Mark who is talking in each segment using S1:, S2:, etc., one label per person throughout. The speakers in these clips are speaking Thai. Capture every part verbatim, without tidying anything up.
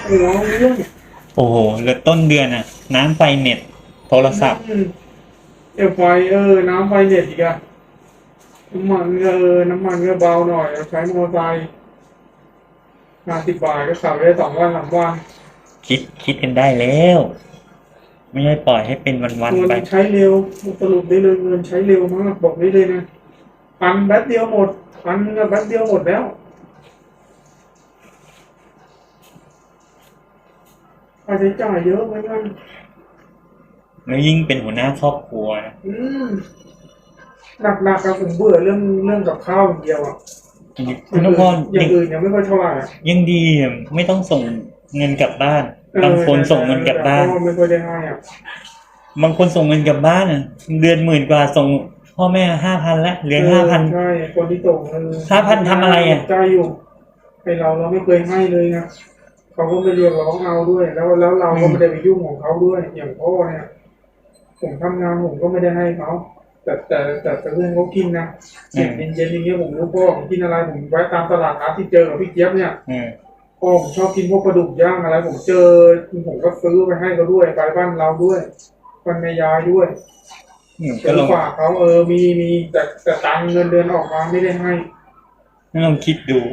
S1: หัวเรื่อง
S2: โอ้โหเหลือต้นเดือนอะน้ำไฟเน็ตโทรศัพท์
S1: เอฟไฟเออน้ำไฟเน็ตอีกอะน้ำมันเออน้ำมันก็เบาหน่อยใช้มอเตอร์ไซค์ห้าสิบบาทก็ขับได้สองวันสามวัน
S2: คิดคิดกันได้แล้วไม่ใช่ปล่อยให้เป็นวันๆไป
S1: เงินใช้เร็วสรุปได้เลยเงินใช้เร็วมากบอกได้เลยนะพันแป๊บเดียวหมดพันแป๊บเดียวหมดแล้วค่าใช้จ่ายเยอะไหมกัน
S2: แล้วยิ่งเป็นหัวหน้าครอบครัวนะ
S1: อืมหนักๆกับผมเบื่อเรื่องเรื่องกับข้าวอย่างเดียวอ่ะ
S2: คุณนพร
S1: อย่างอื่นยังไม่ค่อยเท่าไหร่
S2: ยังดีไม่ต้องส่งเงินกลับบ้านบางคนส่งเงินกลับบ้าน
S1: ไม่ค่อยได้ให้อ่ะ
S2: บางคนส่งเงินกลับบ้านอ่ะเดือนหมื่นกว่าส่งพ่อแม่ห้าพันแล้วเหลือห้าพัน
S1: ใช่คนที่ส่ง
S2: ห้าพันทำอะไรอ่ะ
S1: ใจอยู่ให้เราเราไม่เคยให้เลยนะเขาก็ไม่เรียกร้องเอาด้วยแล้วแล้วเราก็ไม่ได้ไปยุ่งของเขาด้วยอย่างพ่อเนี่ยผมทำงานผมก็ไม่ได้ให้เขาแต่แต่แต่แต่เพื่อนเขากินนะอย่างเย็นๆอย่างเงี้ยผมรู้พ่อผมกินอะไรผมแวะตามตลาดนัดที่เจอกับพี่เจี๊ยบเนี่ยพ่อผมชอบกินพวกปลาดุกย่างอะไรผมเจอผมก็ซื้อไปให้เขาด้วยไปบ้านเราด้วยบ้านแม่ยายด้วยก็ลงฝากเขาเออมีมีแต่แต่ตังเงินเดือนออกมาไม่ได้ให้
S2: ลองคิดดู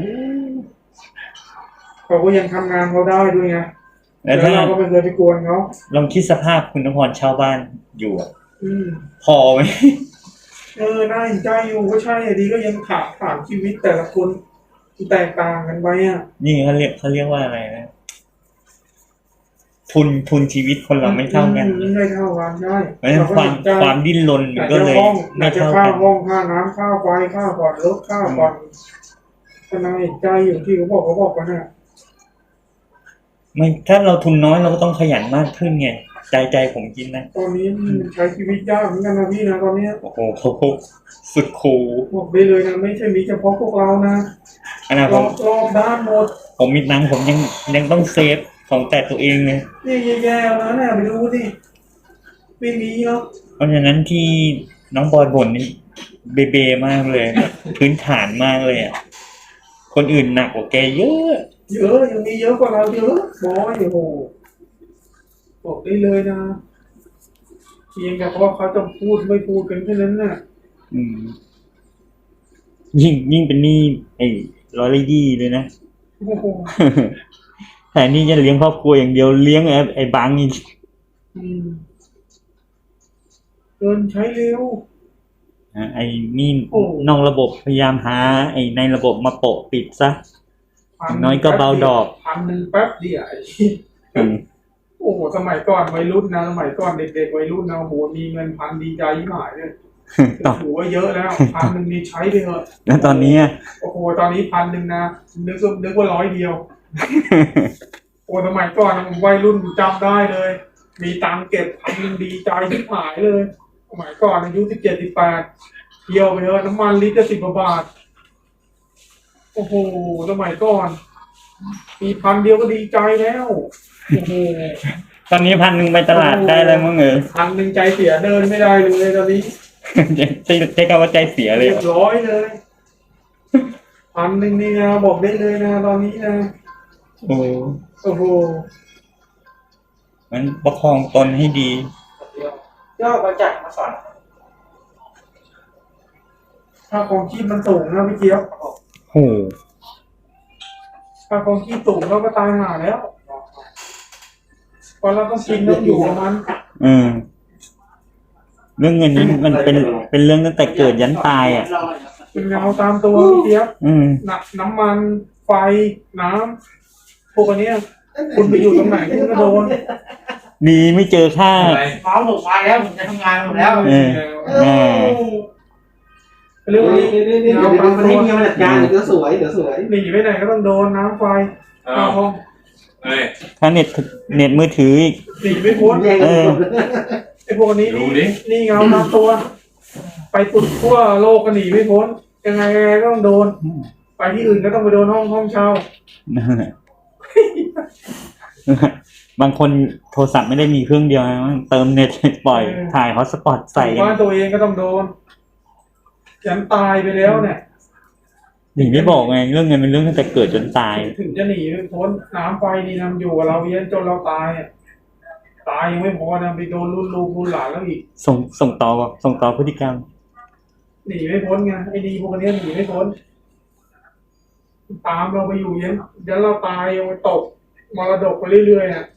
S1: เขาก็ยังทำงานเขาได้ด้วยไงแล้วเราก็ไม่เคยไปกวนเขา
S2: ลองคิดสภาพคุณนพรชาวบ้านอยู่พอไหม
S1: เออน่าเห็นใจอยู่ก็ใช่ดีก็ยังถามถามชีวิตแต่ละคนแตกต่างกันไปอ่ะ
S2: นี่เขาเรียกเขาเรียกว่าอะไรนะทุนทุนชีวิตคนเราไม่เท่ากัน
S1: ไม่เท่ากันใช่
S2: ความความดิ้นรนก็เลยไม่เท่ากัน
S1: ค่าห้องค่าน้ำค่าไฟค่าผ่อนรถค่าผ่อนก็น่าเห็นใจอยู่ที่เขาบอกเขาบอกกันนะ
S2: ไม่ถ้าเราทุนน้อยเราก็ต้องขยันมากขึ้นไงใจใจผมคิดนะ
S1: ตอนนี้ใช้ชีวิตยากเหมือนกันนะพี่นะตอนนี้
S2: โอ้โหสุดคูล
S1: บอกไปเลยนะไม่ใช่มีเฉพาะพวกเรานะ
S2: อนาคต
S1: รอบด้านหมด
S2: ผมมีตังค์ผมยังยังต้องเซฟของแต่ตัวเองเลย
S1: นี่แย่ๆแล้วนะไปดูดิไม่มีเนาะ
S2: เพราะฉะนั้นที่น้องบอยบ่นนี่เบเบมากเลยพื้นฐานมากเลยอ่ะคนอื่นหนักกว่าแกเยอะ
S1: เยอะยังมีเยอะกว่าเราเยอะบอยโอ้โหบอกได้เลยนะเพียงแต่เพราะเขาจะพูดไม่พูดกันแค่นั้นน่ะ
S2: อืมยิ่งยิ่งเป็นนี่ไอ้ร้อยละยี่เลยนะแต่นี่จะเลี้ยงครอบครัวอย่างเดียวเลี้ยงไอ้ไอ้บังอีก
S1: เกินใช้เร็ว
S2: ไอ้นี่นอกระบบพยายามหาไอ้ในระบบมาโปะปิดซะน้อยก็เบาดอก
S1: พันหนึ่งแป๊บเดียวโอ้โหสมัยก่อนวัยรุ่นนะสมัยก่อนเด็กๆวัยรุ่นนะโอ้โหมีเงินพันดีใจยิ่งหายเลยถือว่าเยอะแล้วพันหนึ่งนี่ใช้ไปเถอะ
S2: แล้วตอนนี้
S1: โอ้โหตอนนี้พันหนึ่งนะนึกนึกว่าร้อยเดียวโอ้สมัยก่อนวัยรุ่นจำได้เลยมีตังเก็บพันหนึ่งดีใจยิ่งหายเลยสมัยก่อนอายุสิบเจ็ดสิบแปดเที่ยวไปเถอะน้ำมันลิตรละสิบกว่าบาทโอ้โหสมัยก่อนมีพันเดียวก็ดีใจแล้วโอ้โห
S2: ตอนนี้พันหนึ่งไปตลาดได้แล้วมั้งเออ
S1: พันหนึ่งใจเสียเดินไม่ได้เลยตอนนี้
S2: ใช่ใช่คำว่าใจเสียเลย
S1: เรียบร้อยเลยพันหนึ่งนี่นะบอกได้เลยนะตอนนี้นะ
S2: โอ้
S1: โอ้โห
S2: มันประคองตนให้ดี
S1: ย่อมาจัดมาสั่นถ้าของชีพมันสูงนะพี่เจี๊ยบ
S2: โอ้
S1: ถ้าของชีพสูงเราก็ตายห่าแล้วพอเราต้องกินต้องอยู่กับมัน
S2: อืมเรื่องเงินนี้มันเป็นเป็นเรื่องตั้งแต่เกิดยันตายอ่ะ
S1: เป็นเงาตามตัวพี่เจี๊ยบหนักน้ำมันไฟน้ำพวกนี้คุณไปอยู่ตรงไหนคุณก็โดน
S2: ดีไม่เจอค่า
S1: เมาหมดไปแล้วผมจะทำงานหมดแล้ว
S2: เออ
S1: เรื่องนี้
S3: เงาตามตัวเงาหนักยางเดี๋ยวสวยเดี๋ยวสวย
S1: หนีไปไหนก็ต้องโดนน้ำไฟข้าวห้อง
S2: ถ้าเน็ตเน็ตมือถืออีก
S1: หนีไม่พ้น
S2: เออ
S1: ไอ้พวกนี้นี่นี่เงาตามตัวไปตุดทั่วโลกก็หนีไม่พ้นยังไงยังไงก็ต้องโดนไปที่อื่นก็ต้องไปโดนห้องห้องเช่า
S2: บางคนโทรศัพท์ไม่ได้มีเครื่องเดียวนะเติมเน็ตปล่อยถ่ายฮอตสปอตใส่
S1: ว่าตัวเองก็ต้องโดนยันตายไปแล้วเนี่ย
S2: ถึงได้บอกไงเรื่องเงินเป็นเรื่องตั้งแต่เกิดจนตาย
S1: ถึงจะหนีไม่พ้นน้ำไฟนี่นะมันอยู่กับเราเย็นจนเราตายอะตายยังไม่พอนะไปโดนรุ่นลูกรุ่นหลานแล้วอีก
S2: ส่งส่งต่อส่งต่อพฤติกรรม
S1: หนีไม่พ้นไงไอ้ดีพวกนี้หนีไม่พ้นตามเราไปอยู่เย็นเดี๋ยวเราตายยังไปตกมรดกไปเรื่อยๆอ่ะ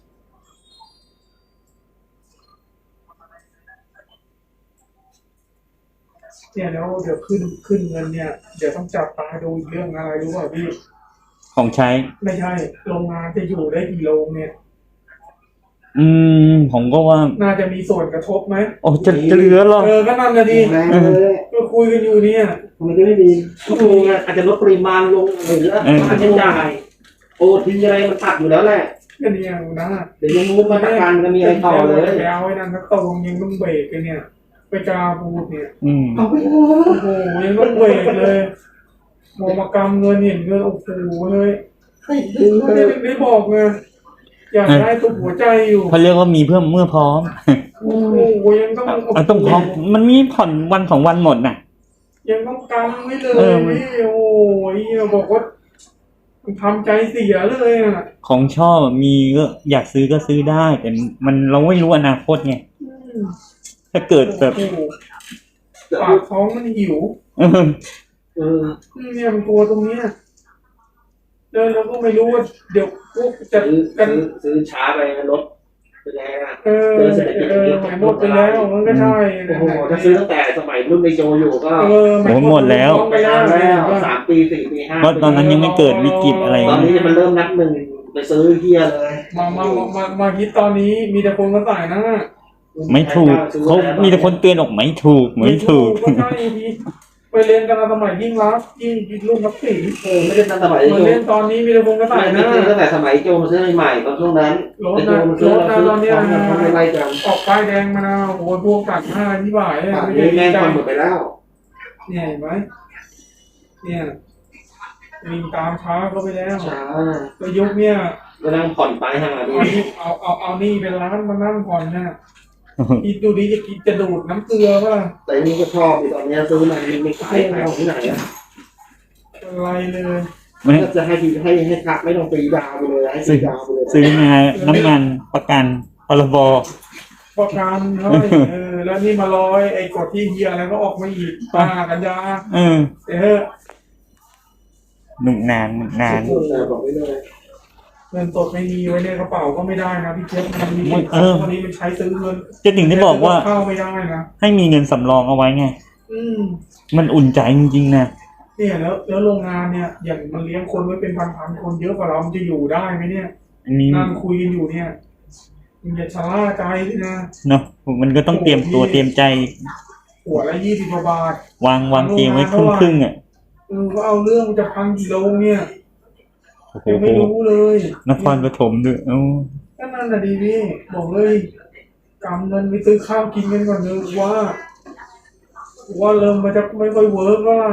S1: เนี่ยแล้วเดี๋ยวขึ้นขึ้นเงินเนี่ยเดี๋ยวต้องจับตาดูอีกเรื่องอะไรรู้ป่ะพี่
S2: ของใช้
S1: ไม่ใช่โรงงานจะอยู่ได้กี่โรงเนี่ย
S2: อืมผมก็ว่า
S1: น่าจะมีส่วนกระทบไหม
S2: โอ้จะจะเหลือหรอ
S1: เออก็นั่นนะดิ
S3: แรงเลย
S1: ก็คุยกันอยู่เนี่ย
S3: มันจะไม่มีทุกโรงงานอาจจะลดปริมาณลงหรือค่าใช้จ่ายโอทีอะไรมันตัดอยู่แล้วแหละ
S1: ก็เนี่ยนะ
S3: เดี๋ยวยังมุกมาตรการจะมีอะไรต่อเลย
S1: ไปเอาไว้นั่นนักตรงยังต้องเบรกกันเนี่ยไปกาพูดเนี่ย
S2: อืม
S3: เอาไปเถ
S1: โอ้
S3: อะ
S1: โหยังต้องเบรกเลยมองมากำเงินเห็นเงินโอ้โหเลย
S3: ให้ดึง
S1: ไม่
S3: เล
S1: ได้
S3: ย
S1: ไม่บอกไงอยากได้ตัวหัวใจอยู่
S2: เขาเรียกว่ามีเพื่อเมื่อพร้อม
S1: โอ้โหยังต้อง
S2: เอาต้องพร้อมมันมีผ่อนวันสองวันหมดน่ะ
S1: ยังต้องกำไว้เล
S2: เอย อมัน
S1: นี่โอ้ยบอกว่าทำใจเสียเลยอ่ะ
S2: ของชอบมีก็อยากซื้อก็ซื้อได้ แต่มันเราไม่รู้อนาคตไง
S1: อืม
S2: ถ้าเกิดแบบ
S1: โอ้โหปากท้องมันหิว
S2: เออ
S3: เออ
S1: เนี่ยมันกลัวตรงเนี้ยเดินเราก็ไม่รู้ว่าเดี๋ยวพวกจะ
S3: ซื้อ
S1: กัน
S3: ซื้อซื้อช้าไปลดไปแล้ว
S1: เออเออหมายหมดไปแล้วมันก็ใช่
S3: โอ้โหถ้าซื้อตั้งแต่สมัยรุ่นในโจอยู่ก็
S1: เออ
S2: โอ้หมดแล้ว
S1: ไปแล้ว
S3: แล้วสามปีสี่ปีห้า
S2: เพราะตอนนั้นยังไม่เกิดวิกฤตอะไร
S3: ตอนนี้มันเริ่มนับหนึ่งไปซื้อเฮียเลย
S1: มามามามามาคิดตอนนี้มีแต่คนมาใส่นะ
S2: ไม่ถูกเขามีแต่คนเตือนออกไม่ถูกไม่ถูก
S1: ก็ใช่ทีไปเรียนกันสมัยยิ่งรักยิ่งรุ่นนักศิลป์
S3: เออไม่ได้ตั้งสมัย
S1: มา
S3: โจ
S1: เล่นตอนนี้มีแต่คนมาใส่
S3: ไม่
S1: นะ
S3: ซื้อตั้งแต่สมัยโจมาซื้อใหม่ตอนช่วงนั้น
S1: รถ
S3: แต่โจ
S1: นะ
S3: มาซื้อ
S1: รถนะตอนเนี้ย
S3: ทำอะไรกัน
S1: ออกป้ายแดงมานะโอ้โหพวกตัดหน้าที่บ่าย
S3: ป่าน
S1: ไม่
S3: นี้
S1: ได้
S3: แม่ง
S1: ใจ
S3: ทำหมดไปแล้ว
S1: เนี่ยเห็นไหมเนี่ยมีตามช้าเข้าไปแล้ว
S3: ช้า
S1: ก็ยุคเนี่ย
S3: ก็นั่งผ่อนไปห่าดู
S1: เอานี่เอาเอาเอานี่เป็นร้านมานั่งผ่อนนะคิดดูดิจะกินจะดูดน้ำเกลือป่ะ
S3: แต่นี่ก็ชอบตอนนี้ซื้อมาไม่ขายขายที่ไหนอ่ะ
S1: อะไรเลย
S2: ไม่
S3: ก็จะให้ทีให้ให้ทักไม่ต้องตีดาวไปเลยให้ตีดาวไปเลย
S2: ซื้องานน้ำมันประกันพรบ
S1: ประกันเฮ้ยเออแล้วนี่มาลอยไอ้กฎที่เฮียอะไรก็ออกมาอีกป้ากันยา
S2: เออ
S1: เออ
S2: หนุกนานหนุกนาน
S3: บอกไม่เลย
S1: เงินสดไม่มีไว้ในกระเป๋าก็ไม่ได้นะพี่เจ๊มันมี
S2: เออ
S1: วันนี้มันใช้ซื้อเงิน
S2: จะถึงได้บอกว่า
S1: เข้าไม่ได้นะ
S2: ให้มีเงินสำรองเอาไว้ไง
S1: อืม
S2: มันอุ่นใจจริงๆนะ
S1: เนี่ยแล้วแล้วโรงงานเนี่ยอย่างมันเลี้ยงคนไว้เป็นพันๆคนเยอะกว่าเรามันจะอยู่ได้ไหมเนี่ย
S2: อันนี้
S1: นั่งคุยกันอยู่เนี่ยมันอย่าชะล่าใจด้วยนะ
S2: เนาะมันก็ต้องเตรียมตัวเตรียมใจ
S1: หัวละยี่สิบกว่าบาท
S2: วางวางเกมไว้ครึ่งครึ่งๆอ่ะ
S1: เออก็เอาเรื่องจะพังกี่โลเนี่ย
S2: โอ้โห
S1: ยังไม่รู้เลย
S2: นครปฐมด้วยเอ้า
S1: ก็นั่นน่ะดีพี่บอกเลยกำเงินไปซื้อข้าวกินกันก่อนเลยว่า ว่าเริ่มมาจะไม่ค่อยเวิร์กแล้วล่ะ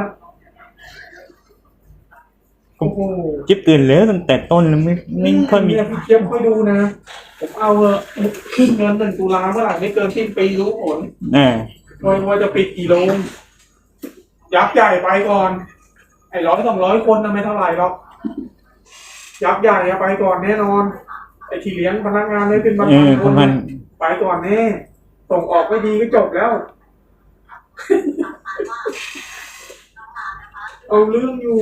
S1: โอ้โห
S2: จิ๊บเตือนแล้วตั้งแต่ต้นแล้วไม่ไม่ค่อยมี
S1: เนี่ยพี่เจี๊ยบค่อยดูนะผมเอาเออขึ้นเงินหนึ่งตุลาเมื่อไหร่ไม่เกินสิ้นปีรู้ผล
S2: อ่า
S1: ว่าว่าจะปิดกี่โรงยักษ์ใหญ่ไปก่อน ไอ้ร้อยสองร้อยคนน่ะไม่เท่าไหร่หรอกยักษ์ใหญ่อะไปก่อนแน่นอนไอ้ที่เลี้ยงพนักงานเลยเป็นพัน
S2: เออ
S1: ๆค
S2: ประ
S1: น
S2: มาณ
S1: น่ะไปก่อนแน่ส่งออกไม่ดีก็จบแล้ว เอาเรื่องอยู่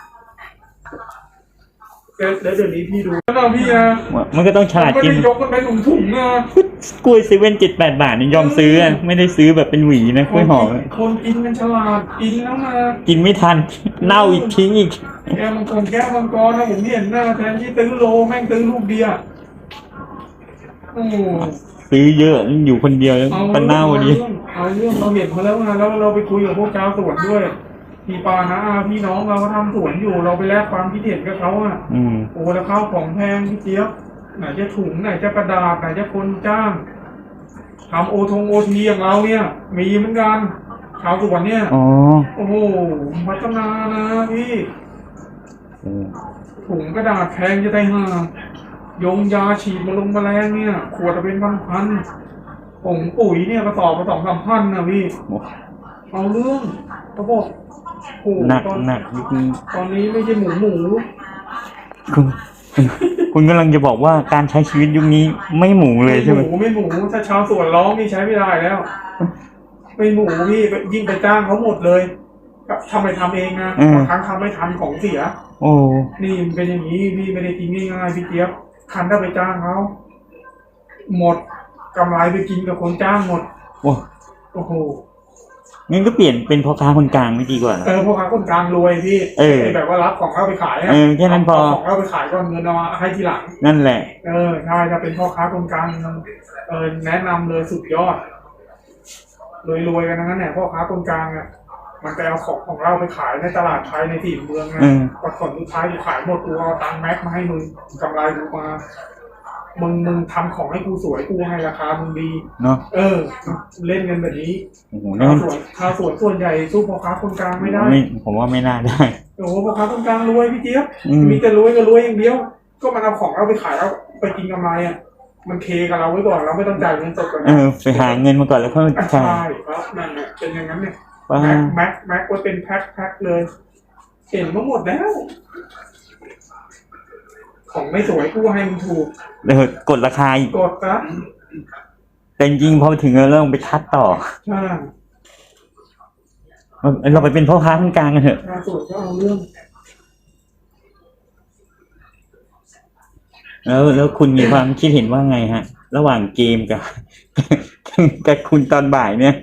S1: เดี๋ยวเดี๋ยวนี้พี่ดูนะพี่นะ
S2: มันก็ต้องฉลาด
S1: ไม่
S2: กิน
S1: ได้ยกกันไปถุงถุงๆนะ
S2: กล้วยเซเว่นเจ็ดแปดบาทนี่ยอมซื้ออะไม่ได้ซื้อแบบเป็นหวีนะกล้วยหอมอะ
S1: คนกินมันฉลาดกินแล้วมา
S2: กินไม่ทัน เน่าอีกทิ้งอีก
S1: แกมังกรแก้วมังกรนะผมเห็นหน้าแทนที่ซื้อโลแม่งซื้อลูกเดียวโอ้
S2: ซื้อเยอะอยู่คนเดียว
S1: เอา
S2: ก็เน่าดี
S1: เอาเรื่องเราเห็นมาแล้วไงแล้วเราไปคุยกับพวกชาวสวนด้วยพี่ปานะอาพี่น้องเราก็ทำสวนอยู่เราไปแลกความคิดเห็นกับเขาอ่ะ
S2: อืม
S1: โอ้แล้วข้าวของแพงพี่เจี๊ยบไหนจะถุงไหนจะกระดาษไหนจะคนจ้างทำโอทงโอทีอย่างเราเนี่ย มีเหมือนกันชาวสวนเนี่ย
S2: อ๋อ
S1: โอ้โหพัฒนานะพี่
S2: อืม
S1: ถุงกระดาษแพงจะได้ห่ายงยาฉีดมาลงแมลงเนี่ย ขวดละเป็นพันพันๆผงปุ๋ยเนี่ยกระสอบละสองสามพันนะพี่
S2: โอ้
S1: เอาเรื่องเขาบอกห
S2: หนัก
S1: ตอน
S2: หนักจริง
S1: ตอนนี้ไม่ใช่หมูหมู
S2: ๆคุณคุณคุณกำลังจะบอกว่าการใช้ชีวิตยุคนี้ไม่หมูเลยใช่ไหม
S1: หมูไม่หมูถ้าชาวสวนร้องนี่ใช้ไม่ได้แล้ว ไม่หมูพี่ยิ่งไปจ้างเขาหมดเลยทำไปทำเองนะบางครั้งทำไม่ทันของเสีย
S2: โอ้
S1: นี่มันเป็นอย่างนี้พี่ไม่ได้กินง่ายๆพี่เจี๊ยบคันถ้าไปจ้างเขาหมดกำไรไปกินกับคนจ้างหมด
S2: โอ้
S1: โอ้โห
S2: งั้นก็เปลี่ยนเป็นพ่อค้าคนกลางไม่ดีกว่าเหรอ
S1: เออพวกค้าคนกลางรวยพี่
S2: เออ
S1: ไแบบว่ารับของเราไปขายะ
S2: เออแค่นั้นพอ
S1: เาของเราไปขายก่อนเงินเอามาให้ทีหลัง
S2: นั่นแหละ
S1: เออใช่จะเป็นพ่อค้าคนกลางเออแนะนำเลยสุดยอดรวยๆกันทั้งนั้นแหละพ่อค้าคนกลางอ่ะมันไปเอาของของเราไปขายในตลาดไทยในถิ่นเมืองนะ
S2: อืม
S1: พอผลสุดท้ายกูขายหมดกูเอาตังค์แม็กมาให้มึงกำไรกูมามึงมึงทำของให้กูสวยกูให้ราคามึงดี
S2: เนาะ
S1: เออ เล่นกันแบบนี้
S2: โอ้โห
S1: ชา
S2: นั่
S1: วน สวนชาวสวนส่วนใหญ่สู้พ่อค้าคนกลางไม่ได้
S2: ไม่ผมว่าไม่น่าได้
S1: โอ้โหพ่อค้าคนกลางรวยพี่เจี๊ยบ
S2: อืม
S1: มีแต่รวยก็รวยอย่างเดียว ก็มันเอาของเราไปขายแล้วไปกินกำไรอ่ะมันเคกับเราไว้ก่อนเราไม่ต้องจ่ายเงินสดก่อน
S2: เออไปหาเงินมาก่อนแล้วค่อยมา
S1: ใช่
S2: จ่าย
S1: ครับนั่นแหละเป็นอย่างนั้นเนี่ย
S2: ว่า
S1: แม็กแม็กแม็กไว้เป็นแพ็คแพ็คเลยเห็นมาหมดแล้ว ของไม่สวยกูให้มันถูก
S2: เดี๋ยวกดราคาอีก
S1: กดนะ
S2: แต่จริงๆพอถึงเราต้องไปคัดต่อ
S1: ใช่
S2: เราไปเป็นพ่อค้าคนกลางกันเถอะ
S1: ชาวสวนก็เอาเรื่อง
S2: แล้วแล้วคุณมีความคิดเห็นว่าไงฮะ ระหว่างเกมกับ กับคุณตอนบ่ายเนี่ย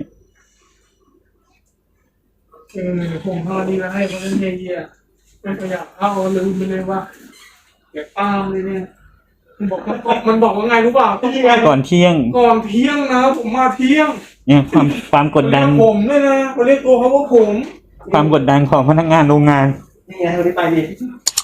S1: เออผมพอดีแล้วให้เขาเล่นเยี่ยๆไม่ขยับเข้าลืมไปเลยว่าเดี๋ยวตามเลยเนี่ยมันบอกว่ามันบอกว่าไงรู้เปล่าต้องไป
S2: ก่อนเที่ยง
S1: ก่อนเที่ยงนะผมมาเที่ยง
S2: เนี่ยความความกดดัน
S1: เรียผมด้วยนะเขาเรียกตัวเขาว่าผม
S2: ความกดดันของพนักงานโรงงาน
S3: นี่ไงวันนี้ไปดิ